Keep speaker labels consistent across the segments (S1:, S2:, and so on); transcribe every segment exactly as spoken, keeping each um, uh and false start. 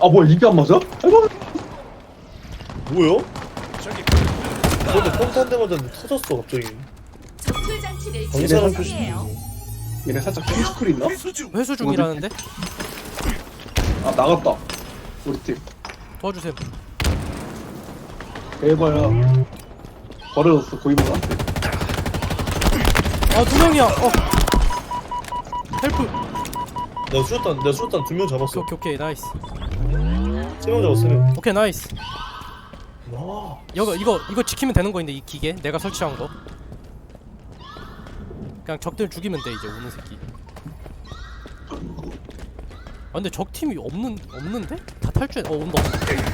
S1: 아 뭐야 이게 안 맞아? 아이고.
S2: 뭐야? 근데 펑탄 데마다 터졌어 갑자기.
S3: 전술 장치를
S2: 방사능
S1: 얘네
S2: 표시.
S3: 지정해요.
S1: 얘네 살짝 핑스크리 있나?
S4: 회수 중이라는데?
S1: 아 나갔다 우리 팀
S4: 도와주세요.
S1: 대박야 버려졌어 고이모한테.
S4: 아 두 명이야. 어. 헬프.
S2: 내가 수류탄 내가 수류탄 두 명 잡았어.
S4: 오케이 오케이 나이스.
S2: 세 명 잡았어 세 명.
S4: 오케이 나이스.
S2: 와.
S4: 이거 이거 이거 지키면 되는 거인데 이 기계 내가 설치한 거. 그냥 적들 죽이면 돼 이제 오는 새끼. 아 근데 적 팀이 없는 없는데? 다 탈주해. 어 온다.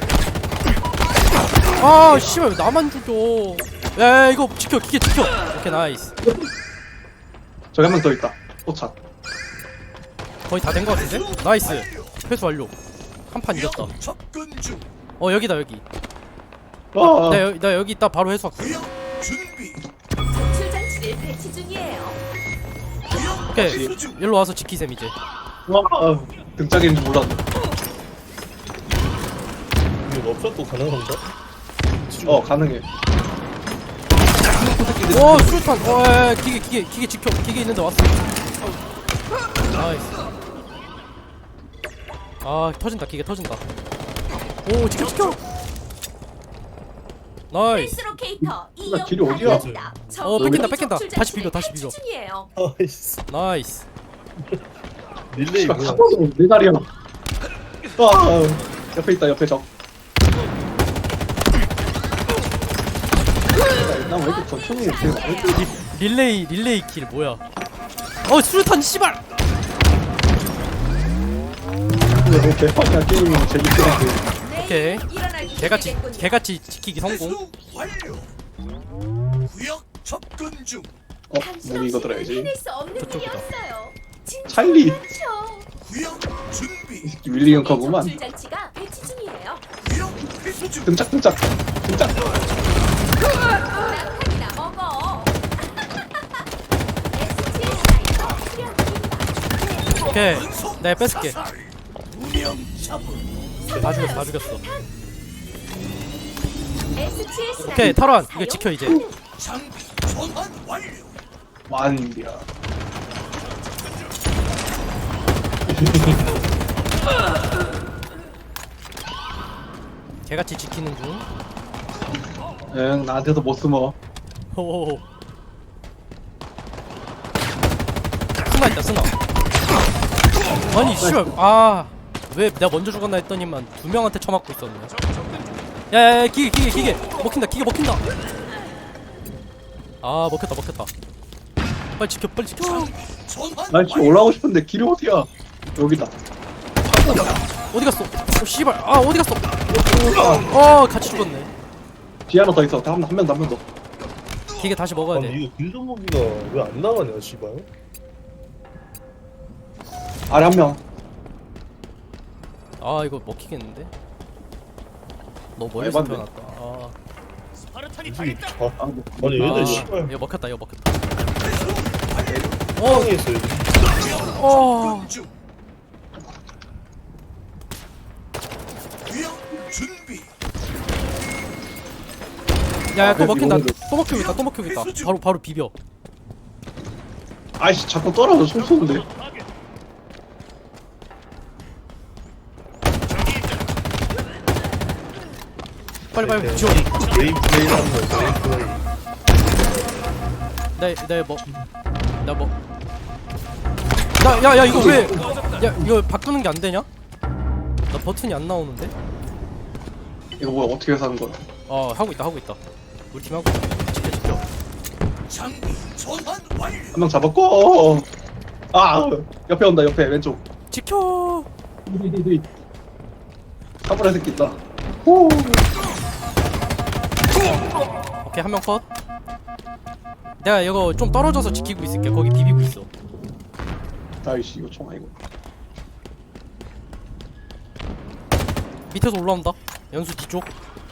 S4: 아 씨발 왜 나만 죽여? 야, 야 이거 지켜 기계 지켜. 오케이 나이스.
S1: 저기 한 명 더 있다 포착.
S4: 거의 다 된 거 같은데? 나이스. 회수 완료. 한 판 이겼다. 어 여기다 여기.
S1: 아
S4: 나, 여, 나 여기 있다 바로 회수할게.
S3: 전술 장치를 배치 중이에요.
S4: 오케이 일로 와서 지키셈 이제.
S1: 아, 등짝인지 몰랐네.
S2: 이거 럽샷도 가능한가?
S1: 어 가능해.
S4: 오 수류탄. 어 야, 야, 기계 기계 기계 지켜. 기계 있는데 왔어. 나이스. 아 터진다 기계 터진다. 오 지켜 지켜. 나이스.
S3: 헬스로케이터
S1: 이거 길이 어디야?
S4: 어, 뺏긴다, 뺏긴다. 다시 비벼, 다시 비벼.
S3: 중이에요.
S2: 아이씨.
S4: 나이스.
S2: 릴레이
S1: 씨발
S2: 뭐야?
S1: 가봐도 내 다리야. 아 옆에 있다 옆에 적. 난 왜 이렇게 전총이 이렇게 많이
S4: 리, 릴레이 릴레이 킬 뭐야? 어 수류탄 씨발.
S1: 왜 개판이야 게임이 재밌게 하는데.
S4: 오케이.
S3: 일어나기
S4: 개같이
S3: 준비됐군요.
S4: 개같이 지키기 성공.
S5: 구역 접근 중.
S1: 어 문이 이거 들어야지.
S3: 해낼 수 없는
S4: 저쪽이다.
S3: 일이었어요. 진짜
S1: 찰리.
S3: 그렇죠.
S5: 구역 준비.
S1: 윌리엄 커브만
S3: 전술 장치가 배치 중이에요.
S5: 구역 회수 중.
S1: 등짝 등짝 등짝.
S3: 낙하기나 먹어. 에스티에스 사이터 수련 중입니다.
S4: 오케이. 내가 뺏을게.
S5: 운영 잡음.
S4: 다 죽였어 다 죽였어.
S3: 에스티에스
S4: 오케이 탈환. 이거 지켜 이제.
S5: 장비 전환 완료.
S1: 완이야.
S4: 개같이 지키는 중.
S1: 응 나한테도 못 숨어.
S4: 호호호. 스나 있다 스나. 아니 씨발 아왜 내가 먼저 죽었나 했더니만 두 명한테 쳐맞고 있었네. 야야야 기계 기계 기계 먹힌다 기계 먹힌다. 아 먹혔다 먹혔다. 빨리 지켜 빨리 지켜.
S5: 전환
S1: 난 지금 올라가고 싶은데 길이 어디야? 여기다.
S4: 어디 갔어? 어 씨발 아 어디 갔어? 어 같이 죽었네.
S1: 뒤에 하나 더 있어. 한명 남은 더.
S4: 기계 다시 먹어야
S2: 아니
S4: 돼.
S2: 이거 길전무기가 왜 안 나가냐 씨발.
S1: 아래 한 명.
S4: 아 이거 먹히겠는데? 너무 멀리서
S1: 에반데.
S4: 태어났다. 아,
S2: 이게 아,
S1: 아, 뭐.
S2: 아니 얘들
S4: 아
S2: 씨발
S4: 이거 먹혔다 이거 먹혔다.
S2: 상황에 있어 얘들.
S4: 어.
S5: 중. 구역 준비.
S4: 야야
S1: 아,
S4: 또
S1: 그래도
S4: 먹힌다.
S1: 이거는
S4: 또 먹히겠다 또 먹히겠다. 바로 바로 비벼.
S1: 아이씨 자꾸 떨어져 총 쏘는데.
S4: 빨리 빨리 지워.
S2: 메인 플레이 하는 거야 메인 플레이.
S4: 나나 뭐. 나 야 야 이거 왜? 야 이거 바꾸는 게 안 되냐? 나 버튼이 안 나오는데?
S1: 이거 뭐야 어떻게 해서 하는 거야?
S4: 어 하고 있다 하고 있다. 우리 팀 하고 있다. 지켜 지켜.
S5: 장비 전환 완료.
S1: 한 명 잡았고. 아 옆에 온다 옆에 왼쪽.
S4: 지켜.
S1: 사물의 새끼 있다. 호.
S4: 오케이 한 명 컷. 내가 이거 좀 떨어져서 지키고 있을게. 거기 비비고 있어.
S1: 아이씨 이거 총 아니고.
S4: 밑에서 올라온다. 연수 뒤쪽.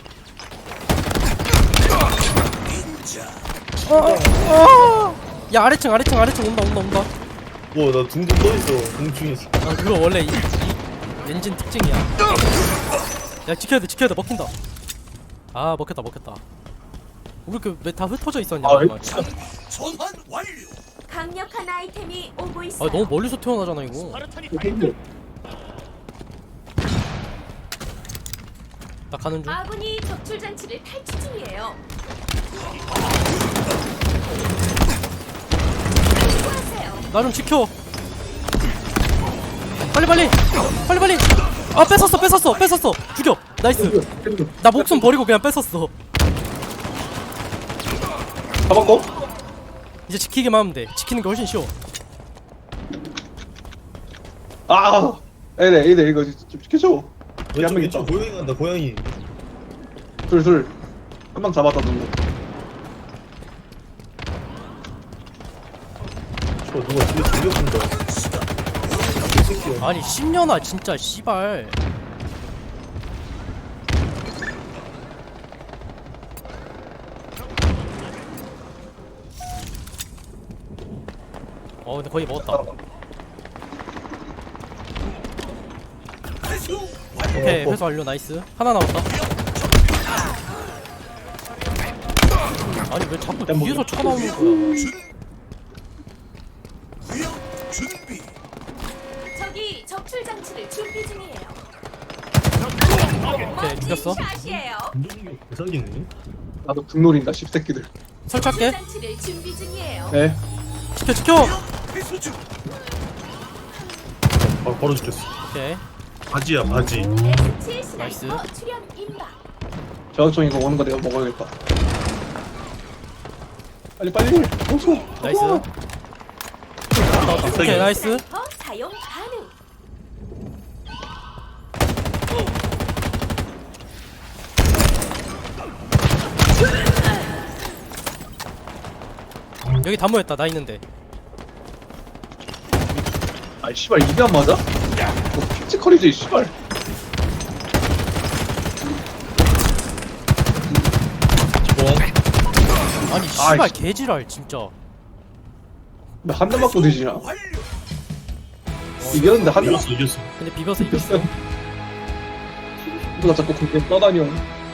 S4: 어, 어. 야 아래층 아래층 아래층 온다 온다 온다.
S2: 뭐나 둥둥 떠있어 공중에 있어.
S4: 아 그거 원래 이, 이 엔진 특징이야. 야 지켜야 돼 지켜야 돼 먹힌다. 아 먹혔다 먹혔다. 우리 이렇게 왜 다 흩어져 있었냐?
S1: 아,
S4: 말이야.
S5: 장비 전환 완료.
S3: 강력한 아이템이 오고
S4: 아
S3: 있어요.
S4: 너무 멀리서 태어나잖아 이거.
S1: 힘들.
S4: 나 가는 중.
S3: 아군이 적출 장치를 탈취 중이에요. 수고하세요.
S4: 나 좀 지켜. 빨리 빨리 빨리 빨리. 아 뺏었어 뺏었어 뺏었어. 죽여. 나이스. 나 목숨 버리고 그냥 뺏었어.
S1: 잡았고.
S4: 이제 지키기만 하면 돼. 지키는 게 훨씬 쉬워.
S1: 아, 에레 에레 이거 좀 지켜줘.
S2: 왼쪽
S1: 한명
S2: 왼쪽
S1: 있다.
S2: 고양이 간다 고양이.
S1: 둘 둘. 한 방 잡았다 누구.
S2: 저 누가 뒤에 돌려본다. 개새끼야.
S4: 아니 십 년아 진짜 씨발. 어 근데 거의 먹었다.
S5: 회수
S4: 오케이 회수 완료. 나이스. 하나 남았다. 아니 왜 자꾸 뒤에서 쳐나오는 거야?
S5: 구역 준비.
S3: 적이 적출 장치를 준비 중이에요.
S4: 오케이 죽였어.
S3: 샷이에요.
S2: 운동이 개사기네.
S1: 나도 국놀인다 씹새끼들.
S4: 설치할게.
S3: 장치를 준비 중이에요.
S1: 네.
S4: 지켜 지켜.
S5: 회수 중.
S2: 바로 바로 죽였어.
S4: 오케이.
S2: 바지야 바지.
S3: 에스 칠
S4: 나이스.
S3: 스나이퍼 출현 임박.
S1: 저격총 이거 오는 거 내가 먹어야겠다. 빨리 빨리. 오소.
S4: 나이스. 오케이 나이스.
S3: 스나이퍼 사용 가능.
S4: 여기 다 모였다. 나 있는데.
S1: 아 씨발 이게 안 맞아? 너 피지컬이지 씨발.
S4: 아니 씨발
S1: 아이씨.
S4: 개지랄 진짜.
S1: 나 한 대 맞고 되지나.
S5: 완료.
S1: 이겼는데 한 대.
S2: 이겼어 이겼어.
S4: 근데 비벼서 이겼어.
S1: 누가 자꾸 공격 떠다녀.